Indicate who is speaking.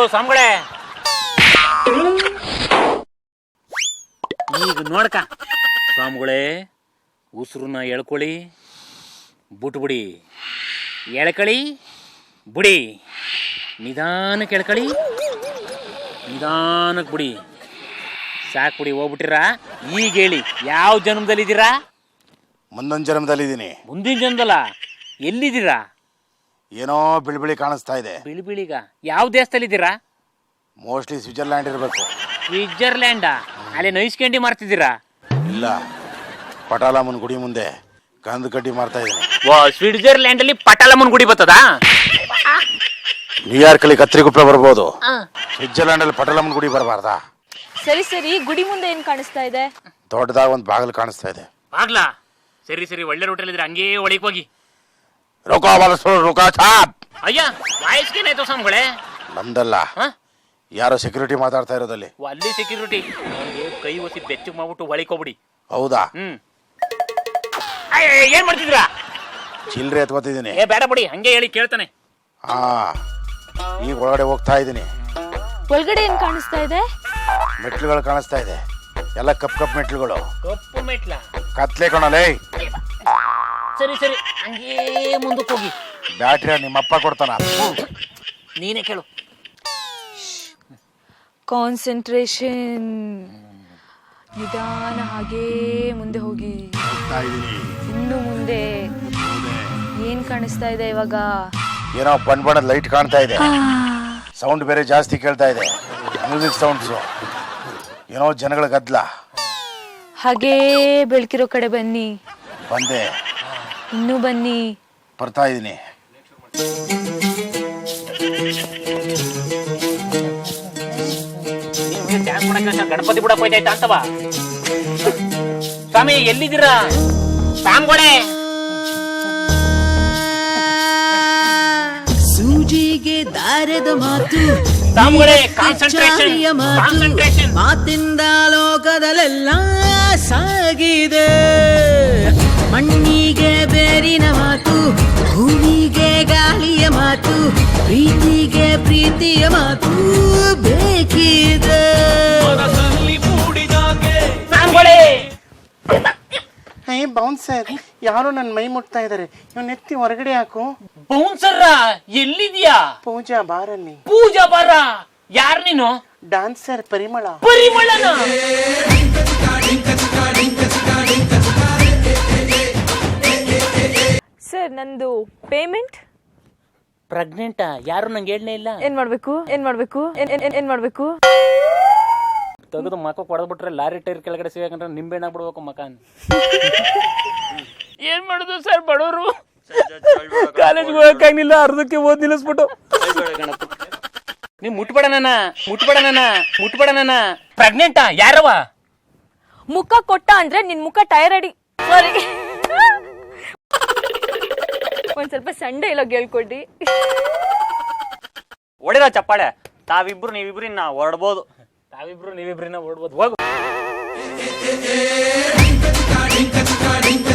Speaker 1: ಸ್ವಾಮಿಗಳೇ, ಈಗ ನೋಡ್ಕ ಸ್ವಾಮಿಗಳೇ, ಉಸಿರನ್ನ ಎಳ್ಕೊಳ್ಳಿ, ಬಿಟ್ಬಿಡಿ, ಎಳ್ಕಳಿ, ಬಿಡಿ, ನಿಧಾನಕ್ಕೆ ಎಳ್ಕಳಿ, ನಿಧಾನಕ್ಕೆ ಬಿಡಿ, ಸಾಕು ಬಿಡಿ, ಹೋಗ್ಬಿಟ್ಟಿರಾ. ಈಗ ಹೇಳಿ, ಯಾವ ಜನ್ಮದಲ್ಲಿದ್ದೀರಾ?
Speaker 2: ಮುಂದೊಂದು ಜನ್ಮದಲ್ಲಿದ್ದೀನಿ.
Speaker 1: ಮುಂದಿನ ಜನ್ಮದಲ್ಲ? ಎಲ್ಲಿದ್ದೀರಾ?
Speaker 2: ಏನೋ ಬಿಳಿ ಕಾಣಿಸ್ತಾ ಇದೆ.
Speaker 1: ಬಿಳಿಗ? ಯಾವ ದೇಶದಲ್ಲಿದ್ದೀರಾ?
Speaker 2: ಮೋಸ್ಟ್ಲಿ ಸ್ವಿಟ್ಜರ್ಲ್ಯಾಂಡ್ ಇರಬೇಕು.
Speaker 1: ಸ್ವಿಟ್ಜರ್ಲ್ಯಾಂಡಾ? ಅಲ್ಲಿ ನೈಸ್ ಕ್ಯಾಂಡಿ ಮಾರ್ತಿದ್ದೀರಾ?
Speaker 2: ಇಲ್ಲ, ಪಟಾಲಮ್ಮನ ಗುಡಿ ಮುಂದೆ ಕಂದು ಕಡ್ಡಿ ಮಾರ್ತಾ ಇದ್ದೀನಿ.
Speaker 1: ಸ್ವಿಟ್ಜರ್ಲ್ಯಾಂಡ್ ಅಲ್ಲಿ ಪಟಾಲಮ್ಮನ ಗುಡಿ ಬರ್ತದಾ?
Speaker 2: ನ್ಯೂಯಾರ್ಕ್ ಅಲ್ಲಿ ಕತ್ರಿಗುಪ್ಪೆ ಬರ್ಬೋದು, ಸ್ವಿಟ್ಜರ್ಲ್ಯಾಂಡ್ ಅಲ್ಲಿ ಪಟಾಲಮ್ಮನ ಗುಡಿ ಬರಬಾರ್ದಾ?
Speaker 3: ಸರಿ, ಗುಡಿ ಮುಂದೆ ಏನ್ ಕಾಣಿಸ್ತಾ ಇದೆ?
Speaker 2: ದೊಡ್ಡದಾಗ ಒಂದು ಬಾಗಿಲು ಕಾಣಿಸ್ತಾ ಇದೆ.
Speaker 1: ಆಗ್ಲಾ? ಸರಿ, ಒಳ್ಳೆ ರೋಟಲ್ ಇದ್ರೆ ಹಂಗೇ ಒಳಗೆ ಹೋಗಿ.
Speaker 2: ರುಕಾ ಚಾಪ್.
Speaker 1: ಅಯ್ಯ, ವಾಯಸ್ಗೇನಾಯ್ತು ಸ್ವಾಮಿಗಳೇ?
Speaker 2: ನಮ್ದಲ್ಲ, ಯಾರೋ ಸೆಕ್ಯೂರಿಟಿ ಮಾತಾಡ್ತಾ ಇರೋದಲ್ಲಿ.
Speaker 1: ಅಲ್ಲಿ ಸೆಕ್ಯೂರಿಟಿ ಕೈ ಒಸಿ ಬೆಚ್ಚು ಮಾಡ್ಬಿಟ್ಟು ಒಳಗೆ ಹೋಗ್ಬಿಡಿ.
Speaker 2: ಹೌದಾ?
Speaker 1: ಏನ್ ಮಾಡ್ತಿದ್ರಾ?
Speaker 2: ಚಿಲ್ರೆ ಎತ್ಕೋತಿದ್ದೀನಿ.
Speaker 1: ಬೇಡ ಬಿಡಿ, ಹಂಗೆ ಹೇಳಿ ಕೇಳ್ತಾನೆ.
Speaker 2: ಈಗ ಒಳಗಡೆ ಹೋಗ್ತಾ ಇದ್ದೀನಿ.
Speaker 3: ಒಳಗಡೆ ಏನ್ ಕಾಣಿಸ್ತಾ ಇದೆ?
Speaker 2: ಮೆಟ್ಲುಗಳು ಕಾಣಿಸ್ತಾ ಇದೆ, ಎಲ್ಲ ಕಪ್ ಮೆಟ್ಲುಗಳು.
Speaker 1: ಕಪ್ಪು ಮೆಟ್ಲ?
Speaker 2: ಕತ್ಲೆ ಕಣಲೇ.
Speaker 1: ಸರಿ, ಹಂಗೇ ಮುಂದಕ್ಕೆ ಹೋಗಿ.
Speaker 2: ಬ್ಯಾಟ್ರಿ ನಿಮ್ಮಪ್ಪ ಕೊಡ್ತಾನ,
Speaker 1: ನೀನೇ ಕೇಳು.
Speaker 3: ಕಾನ್ಸಂಟ್ರೇಷನ್. ನಿಧಾನ, ಹಾಗೇ ಮುಂದೆ ಹೋಗಿ. ಇನ್ನು ಮುಂದೆ ಏನ್ ಕಾಣಿಸ್ತಾ ಇದೆ ಇವಾಗ?
Speaker 2: ಏನೋ ಬಣ್ಣದ ಲೈಟ್ ಕಾಣ್ತಾ ಇದೆ, ಸೌಂಡ್ ಬೇರೆ ಜಾಸ್ತಿ ಕೇಳ್ತಾ ಇದೆ, ಮ್ಯೂಸಿಕ್ ಸೌಂಡ್ಸು. ಏನೋ ಜನಗಳ ಗದ್ದಲ.
Speaker 3: ಹಾಗೇ ಬೆಳಕಿರೋ ಕಡೆ ಬನ್ನಿ.
Speaker 2: ಬಂದೆ.
Speaker 3: ಇನ್ನೂ ಬನ್ನಿ.
Speaker 2: ಬರ್ತಾ ಇದ್ದೀನಿ.
Speaker 1: ಗಣಪತಿ ಬಿಡಕ್ ಹೋಯ್ತಾಯ್ತಾ ಅಂತವಾ? ಸ್ವಾಮಿ ಎಲ್ಲಿದ್ದೀರಾ? ಸ್ವಾಮಿಗಳೇ,
Speaker 4: ಸೂಜಿಗೆ ದಾರದ ಮಾತು,
Speaker 1: ಸ್ವಾಮಿಗಳೇ, ಕಾನ್ಸಂಟ್ರೇಷನ್.
Speaker 4: ಮಾತಿಂದ ಲೋಕದಲ್ಲೆಲ್ಲ ಸಾಗಿದೆ. ಮಣ್ಣಿಗೆ ಬೇರಿನ ಮಾತು, ಭೂಮಿಗೆ ಗಾಳಿಯ ಮಾತು, ಪ್ರೀತಿಗೆ ಪ್ರೀತಿಯ ಮಾತು ಬೇಕಿದೆ.
Speaker 1: ಸ್ವಾಮಿಗಳೇ,
Speaker 5: ಬೌನ್ಸರ್, ಯಾರೋ ನನ್ನ ಮೈ ಮುಟ್ತಾ ಇದಾರೆ. ಇವ್ನ ಎತ್ತಿ ಹೊರಗಡೆ ಹಾಕು.
Speaker 1: ಬೌನ್ಸರ್ ಎಲ್ಲಿದ್ಯಾ?
Speaker 5: ಪೂಜಾ ಬಾರಲ್ಲಿ.
Speaker 1: ಪೂಜಾ ಬಾರ? ಯಾರ್ ನೀನು?
Speaker 5: ಡಾನ್ಸರ್ ಪರಿಮಳ.
Speaker 1: ಪರಿಮಳನ?
Speaker 3: ಸರ್, ನಂದು ಪೇಮೆಂಟ್.
Speaker 1: ಪ್ರೆಗ್ನೆಂಟಾ? ಯಾರು ನಂಗೆ ಹೇಳನೇ ಇಲ್ಲ.
Speaker 3: ಏನ್ ಮಾಡ್ಬೇಕು?
Speaker 1: ತೆಗೆದು ಮಕ್ಕ ಕೊಡದ್ಬಿಟ್ರೆ ಲಾರಿ ಟೈರ್ ಕೆಳಗಡೆ ಸಿಗಂದ್ರೆ ನಿಂಬೆಣ್ಣ ಬಿಡ್ಬೇಕು ಮಕಾನ್. ಏನ್ ಮಾಡುದು ಸರ್, ಬಡವರು ಕಾಲೇಜ್ಗೆ ಹೋಗಕ್ಕಾಗಿಲ್ಲ, ಅರ್ಧಕ್ಕೆ ಓದ್ ನಿಲ್ಲಿಸ್ಬಿಟ್ಟು. ನೀವ್ ಮುಟ್ಬೇಡ ನನ್ನ. ಪ್ರೆಗ್ನೆಂಟಾ? ಯಾರವ?
Speaker 3: ಮುಖ ಕೊಟ್ಟ ಅಂದ್ರೆ ನಿನ್ ಮುಖ ಟೈರ್ ಅಡಿ. ಸಾರಿ, ಒಂದ್ ಸ್ವಲ್ಪ ಸಂಡೆ ಇಲ್ಲ ಹೇಳ್ಕೊಡಿ.
Speaker 1: ಹೊಡೆದ ಚಪ್ಪಾಳೆ. ನೀವಿಬ್ರಿನ್ನ ಹೊರಡ್ಬೋದು. ನೀವಿಬ್ರಿನ್ನ ಹೊರಡ್ಬೋದು. ಹೋಗು.